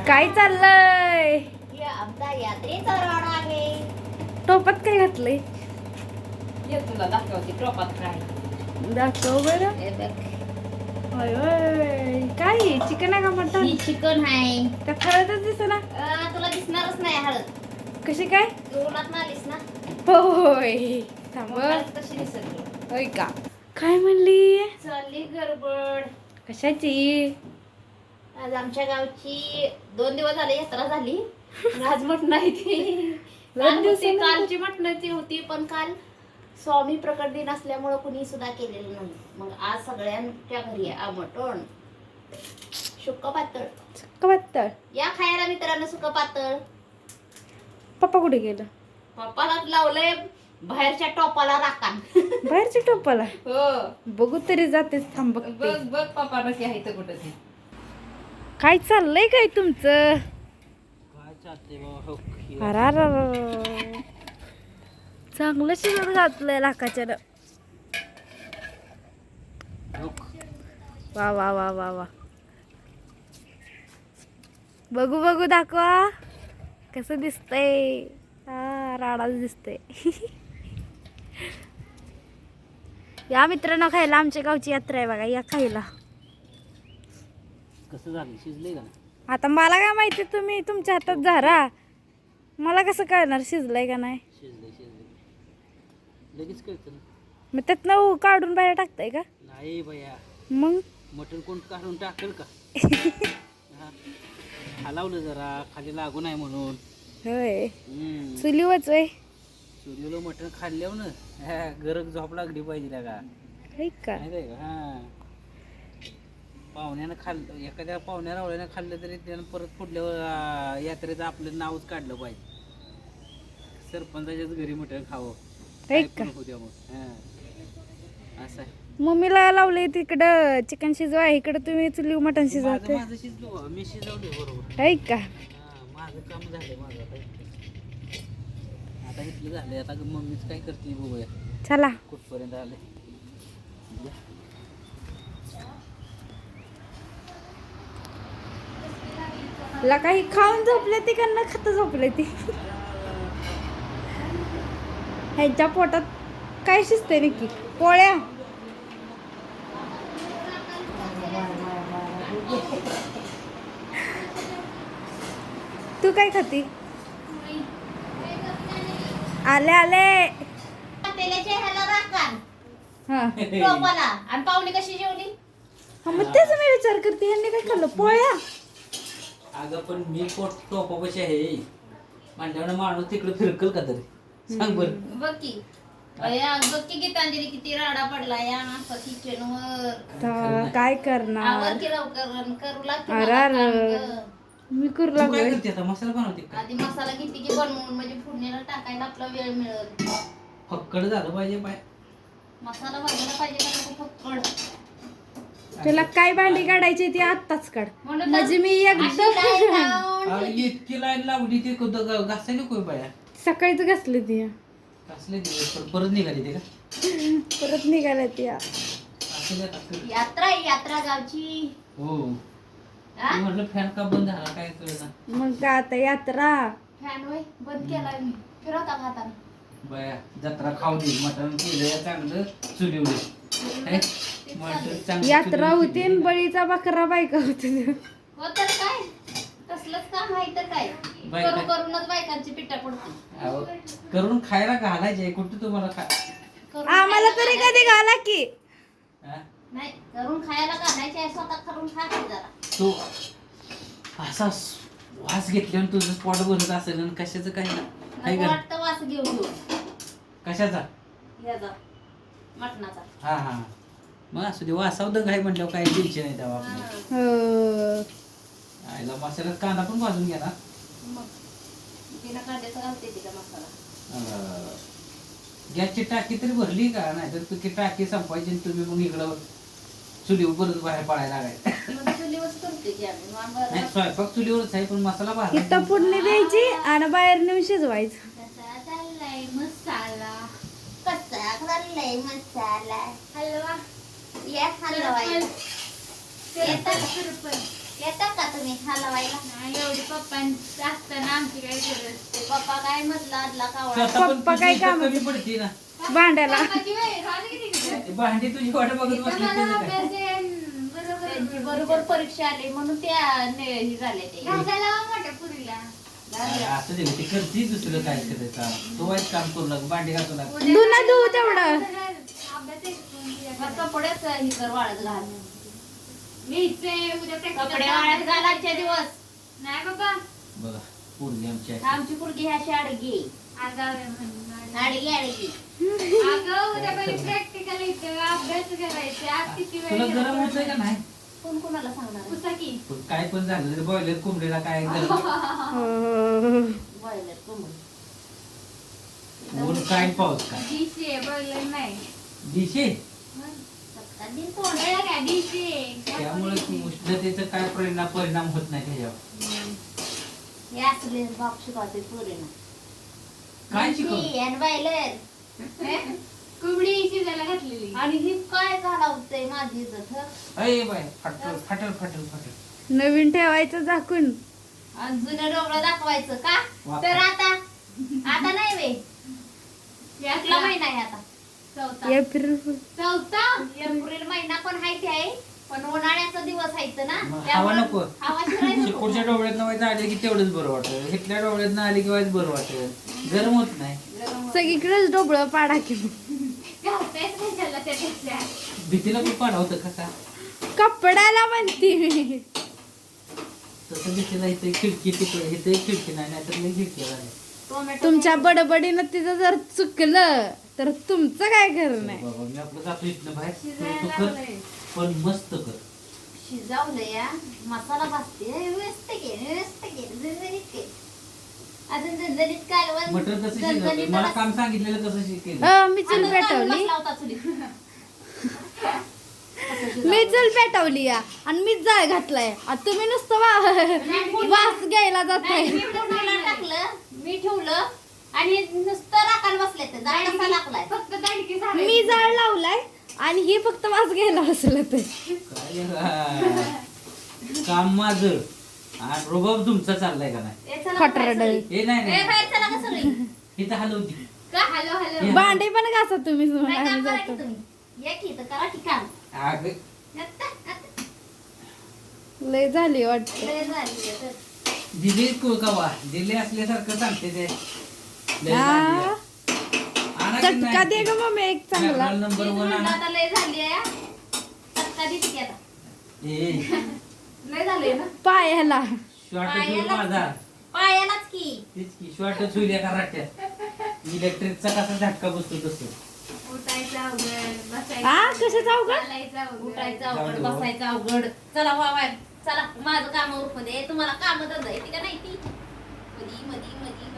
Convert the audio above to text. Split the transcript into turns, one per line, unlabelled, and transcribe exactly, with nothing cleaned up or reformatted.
काय चाललंय?
हे आमचा यात्रेचा रोड आहे.
टोपात काय घातलंय?
ये तुला दाखवते टोपात काय.
दाखव बरं.
हे बघ.
होय होय. काय चिकन आहे का मटन?
ही चिकन आहे.
त्या हळदच दिसत ना.
अं, तुला दिसणारच नाही हळद.
कशी काय?
तू उन्हात आलीस ना.
होय. थांब.
मग हळद कशी दिसेल तुला?
होय का? काय म्हणली?
चालली गडबड.
कशाची?
आज आमच्या गावची दोन दिवस झाले यात्रा झाली. पण आज मटण नाही ती. काल होती, कालची मटणाची होती पण काल स्वामी प्रकट दिन असल्यामुळं कुणी सुद्धा केलेलं नाही. मग आज सगळ्यांच्या घरी आहे मटण. सुक्क पातळ.
सुक्क पातळ.
या खायला मित्रांनो सुक्क पातळ.
पप्पा कुठे गेलं?
पप्पाला लावलंय बाहेरच्या टोपाला राखान.
बाहेरच्या टोपाला.
हो.
बघू तरी जातेच. थांब
बघ
बघ.
बघ पप्पा नक्की आहे इथं कुठं ते.
काय चाललंय काय तुमचं?
काय चालते बाबा?
अरार. चांगलं शिजत घातलंय लाखाच्या. वा वा वा वा वा. बघू बघू दाखवा कसं दिसतंय. हा राडाच दिसतंय. या मित्रांनो खायला आमच्या गावची यात्रा आहे बघा. या खायला.
कसं झालं? शिजले का?
आता मला काय माहिती, तुम्ही तुमच्या हातात झारा. मला कसं कळणार शिजलंय का नाही?
शिजले शिजले लगेच कळतं ना.
मग त्यातनं काढून बाहेर टाकताय का?
नाही बया,
मग
मटण कोण काढून टाकेल का? हा. हलावलं जरा खाली लागू नाही म्हणून.
होय.
हम्म.
चुलीवच होय.
सूर्यला मटण खाल्ल्यावर ना गरज झोप लागली पाहिजे का?
का
माहिती का? हा. पाहुण्यानं खाल्लं, एखाद्या पाहुण्या रावळ्यानं खाल्लं तरी त्यानं परत पुढल्या आ, यात्रेचं आपलं नावच काढलं पाहिजे. सरपंचाच्याच घरी मटण खावं. काय
का?
पण होऊ द्या मग. हा. असं आहे.
मम्मीला लावलंय तिकडं चिकन शिजवा, इकडं तुम्ही चुली मटण
माझं
शिजवते.
माझं शिजलो, मी शिजवले बरोबर.
आहे का?
हा, माझं काम झालंय माझं आता. आता इथलं झालंय, आता मम्मीच काय करते बघूया
चला.
कुठपर्यंत आले.
ला काही खाऊन झोपले ती का न खाता झोपले ती? ह्यांच्या पोटात काय शिजते नक्की? पोळ्या. तू काय खाती? आले आले.
तेलाच्या ह्याला राखान
हा
टोपाला. आणि पाहुणी कशी जेवली?
हा, मग तेच मी विचार करते, ह्यांनी काय खाल्लं? पोळ्या.
अगं पण मी पोट टोपापाशी आहे म्हणल्यावर माणूस तिकडे फिरकल का तरी? सांग बरं.
बघ की अया, बघ की गीतांजली किती राडा पडला या असं किचनवर.
तर काय करणार?
आवर की लवकर करू लागते
अरे
मला
अरे.
काम गं.
मी करू
तू काय
लागलोय.
करते आता? मसाला बनवते का?
आधी मसाला घेते की बनवून म्हणजे फोडणीला टाकायला आपला वेळ मिळेल.
फक्कड झालं पाहिजे पाय.
मसाला बनवायला पाहिजे का नको फक्कड.
तुला काय भांडी काढायची ती आत्ताच काढ.
म्हणून तर
म्हणजे मी
अशी लाईन
एकदम
लावून
अरे इतकी लाईन लावली ते घासायला कोय बाया.
सकाळीच घासली ती.
घासले दिवस पण परत निघाली ते का?
परत निघाल्या ती.
असं द्या टाकलं.
यात्रा आहे यात्रा गावची.
हो.
हा?
मी म्हटलं फॅन का बंद झाला काय कळलं ना.
मग काय आता यात्रा.
फॅन होय बंद केलाय मी. फिरवता का हाताने?
बाया जत्रा खाऊ दे, मटण केलं चांगलं चुलीवलं. हे? मटण चांगलं
यात्रा
चुलीवर
होती आणि
केलं.
बळीचा बकरा बायका होती.
हो तर काय तसलंच काम आहे तर काय.
बायका-
करू करूनच बायकांची पिटा पडते.
अहो, करून खायला घालायचे कुठं तुम्हाला खा.
करून
आम्हाला
खायला
तरी
घालायचे.
कधी घाला की.
हा?
नाही करून खायला घालायचे आहे, स्वतः करून खा की जरा.
तो असा वास घेतल्यावर तुझं स्पॉट बनत असेल आणि कशाचं काय ना काय
नको
कर
वाटतं वास घेऊन घेऊन
कशाचा?
याचा मटणाचा.
हा हा मग असू दे, वासाव दंग आहे म्हटल्यावर काही टेन्शन नाही तेव्हा
हा.
आपलं.
हो.
आईला मसाल्यात कांदा पण भाजून घ्या ना.
मग तिला कांद्याचा घालते तिला मसाला.
अं, गॅसची टाकी तरी भरली का? नाही तर तुझी टाकी संपायची आणि तुम्ही मग इकडं चुलीवर परत बाहेर पडायला लागायचं.
मग चुलीवरच करते की आम्ही. मग आम्हाला
नाही स्वयंपाक चुलीवरच आहे पण मसाला भाजायचा.
इथं फोडणी द्यायची आणि बाहेर नेऊन शिजवायचं.
कसा चाललाय मसाला, कसा चाललाय मसाला. हलवा या हलवा येतात येतात का तुम्ही हलवायला?
नाही एवढी पप्पांचं असताना आमची काय गरज.
ते पप्पा काय म्हटलं आदला कावळा
स्वतः पण
पप्पा काय
तुझी
काम-
कमी पडते ना
भांड्याला
पप्पाची वेळ राहते की तिकडे.
ते भांडी तुझी वाट बघत
इथं
बसली
मला
त्याचं काय?
अभ्यास आहे, बरोबर
त्यांची बरोबर परीक्षा आली म्हणून त्या ने- हे झाले ते
घासायला लावा मोठ्या पुरीला.
अरे असं दे ते करते दुसरं काय करायचं तो वाईट काम करू लाग भांडी घासू लाग
उद्या
धुणं धुवू
काय
तेवढं.
अभ्यास आहे का?
मग कपडेच हे कर वाळत घाल
लिहायचंय, उद्या practical
कपडे वाळत घाल आजच्या दिवस.
नाही बाबा
बघा पोरगी आमची अशी.
आमची पुरगी ह्या अशी अडगी
आगाव आहे म्हणून.
अडगी अडगी
अगं उद्या पहिले प्रॅक्टिकल येतं, अभ्यास करायचा. आज किती वेळ
तुला
गेला
गरम होतंय का नाही
कोण कोणाला सांगणार
पुसा की.
पण काय पण झालं तरी बॉयलर कोंबडीला काय गरम
हो.
बॉयलर कोंबडी
ऊन काय पाऊस काय
डिश आहे, boiler नाही.
दिशे
सप्ताह दिन कोण
कळलं का? डिश आहे.
त्यामुळे उष्णतेचा काय परिणाम परिणाम होत नाही त्याच्यावर
हे असले बाप शिकवते पोरींना
काय शिकव
आणि बॉयलर
कोंबडी शिजायला घातलेली.
आणि ही काय घालावतंय माझी इज्जत हं?
अय बाय फाटल फाटल फाटल फाटल
नवीन ठेवायचं झाकून.
आणि जुनं डोबळं दाखवायचं का
वा.
तर आता आता नाही वे यातला महिना आहे आता
चौथा.
एप्रिल
चौथा.
एप्रिल महिना पण हायती आहे पण उन्हाळ्याचा दिवस आहेत ना
मग हवा
त्यामुळं
नको.
हवा शिरायला नको.
शेपूटच्या डोळ्यात व्हायचं आले की तेवढंच बरं वाटत हिथल्या डोळ्यात आले की व्हायचं बरं वाटत गरम होत नाही
गरम होतं.
सगळीकडेच डोबळं पाडा की.
घालतायच कशाला त्यापेक्षा.
भीतीला पण पाड होतं का
कपड्याला म्हणती मी.
तसं भीतीला इथे खिडकी तिकडे इथे खिडकी नाही नाहीतर मी खिडकी झाली
टोमॅटो
तुमच्या बडबडीनं तिचं जर चुकलं तर तुमचं काय खरं नाही.
बाबा मी आपलं जातो इथनं बाहेर तू
शिजायला
कर
लागलंय.
पण मस्त कर
शिजावलं या मसाला भाजते व्यवस्थित घे व्यवस्थित घे झणझणीत घे अजून झणझणीत कालवण
मटर कसं शिजवलं
झणझणीत
मला
आता-
काम सांगितलेलं कसं शिकेल
अ, मी चूल
आता कालवण
पेटवली
बसला होता चुलीत.
मी चूल पेटवली या आणि मीच जाळ घातलाय आता तुम्ही नुसतं वा- वास घ्यायला जाताय.
नाही, मी फोडणीला टाकलं मी ठेवलं आणि नुसतं राखायला बसले ते जाळ कसा लागलाय
फक्त दांडकी झाली.
मी जाळ लावलाय आणि हे फक्त वास घ्यायला बसलं ते.
काय हा. काम माझं आणि रुबाब तुमचा चाललाय का नाही
ए, चला
खोटरडं.
बाहेर सगळी.
हे नाही
ए,
नाही
बाहेर चला का सगळी
इथं हलवती
का? Hello hello.
भांडे पण घासा तुम्ही
काय
आम्ही
काम करा
जातो.
की तुम्ही या की तर करा की काम
अगं
आता- आता.
लय झाली वाटत.
लय झाली आता.
दिले को का वा दिले असल्यासारखं सांगते ते लय झाली आहे. आणा की
चटका
नाही?
दे ग मम्मी एक चांगला.
मॅकडॉनल्ड नंबर
तीच
वन
म्हणलं
आणा
आता लय झाली आहे चटका देते की आता
ए
लय झालंय ना
पायाला
शॉर्ट
पायाला-
माझा
पायालाच की
तेच की शॉर्टच होईल एका राट्यात इलेक्ट्रिकचा कसा झटका बसतो तसं
उठायचं अवघड, बसायचं
आ,
अवघड,
कशाचं अवघड?
चालायचं अवघड.
उठायचं
जाऊ
अवघड
दे बाबा.
बसायचं अवघड चला वा बाहेर चला माझं काम उरकून दे तुम्हाला काम धंदा येते का नाही ती मधी मधी मधी